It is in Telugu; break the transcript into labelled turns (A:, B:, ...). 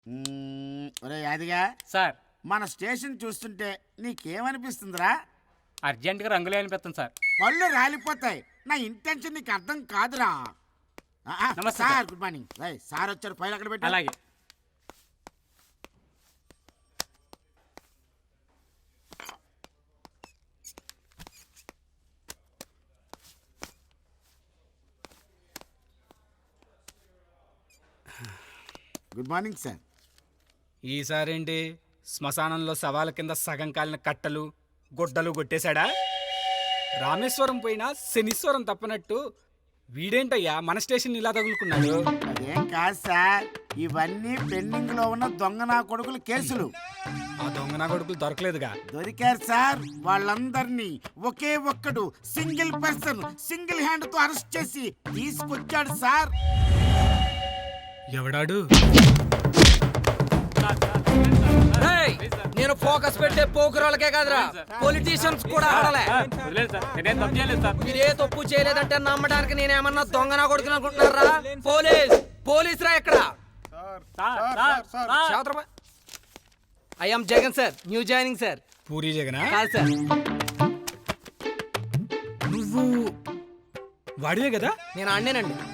A: ఒరే యాదిగా
B: సార్
A: మన స్టేషన్ చూస్తుంటే నీకేమనిపిస్తుందిరా?
B: అర్జెంటుగా రంగులు అనిపిస్తుంది సార్.
A: పళ్ళు రాలిపోతాయి. నా ఇంటెన్షన్ నీకు అర్థం కాదురా.
B: నమస్తే
A: sir.
B: Sir.
A: Good morning. Sir వచ్చారు, ఫైల్ అక్కడ పెట్టి.
B: అలాగే.
A: Good morning sir.
C: ఈసారేంటి శ్మశానంలో శవాల కింద సగం కాలిన కట్టలు గుడ్డలు కొట్టేశాడా? రామేశ్వరం పోయినా శనీశ్వరం తప్పనట్టు వీడేంటయ్యా మన స్టేషన్ ఇలా తగులుకున్నాడు?
A: అదేం కాదు సార్, ఇవన్నీ పెండింగ్ లో ఉన్న దొంగ నా కొడుకుల కేసులు.
C: ఆ దొంగ నా కొడుకులు దొరకలేదుగా.
A: దొరికారు సార్. వాళ్ళందరినీ ఒకే ఒక్కడు సింగిల్ పర్సన్ సింగిల్ హ్యాండ్ తో అరెస్ట్ చేసి తీసుకొచ్చాడు సార్.
C: ఎవడాడు?
D: నేను ఫోకస్ పెట్టే పోకురాలకే కాదురా, పొలిటీషియన్స్ కూడా ఆడలే. మీరే తప్పు చేయలేదంటే నమ్మడానికి నేనేమన్నా దొంగ నా కొడుకుని అనుకుంటున్నారా? పోలీస్ రా ఎక్కడ? I'm Jagan sir, new joining sir.
C: Puri జగనా?
D: కాదు సార్.
C: నువ్వు వాడివే కదా?
D: నేను అన్నేనండి.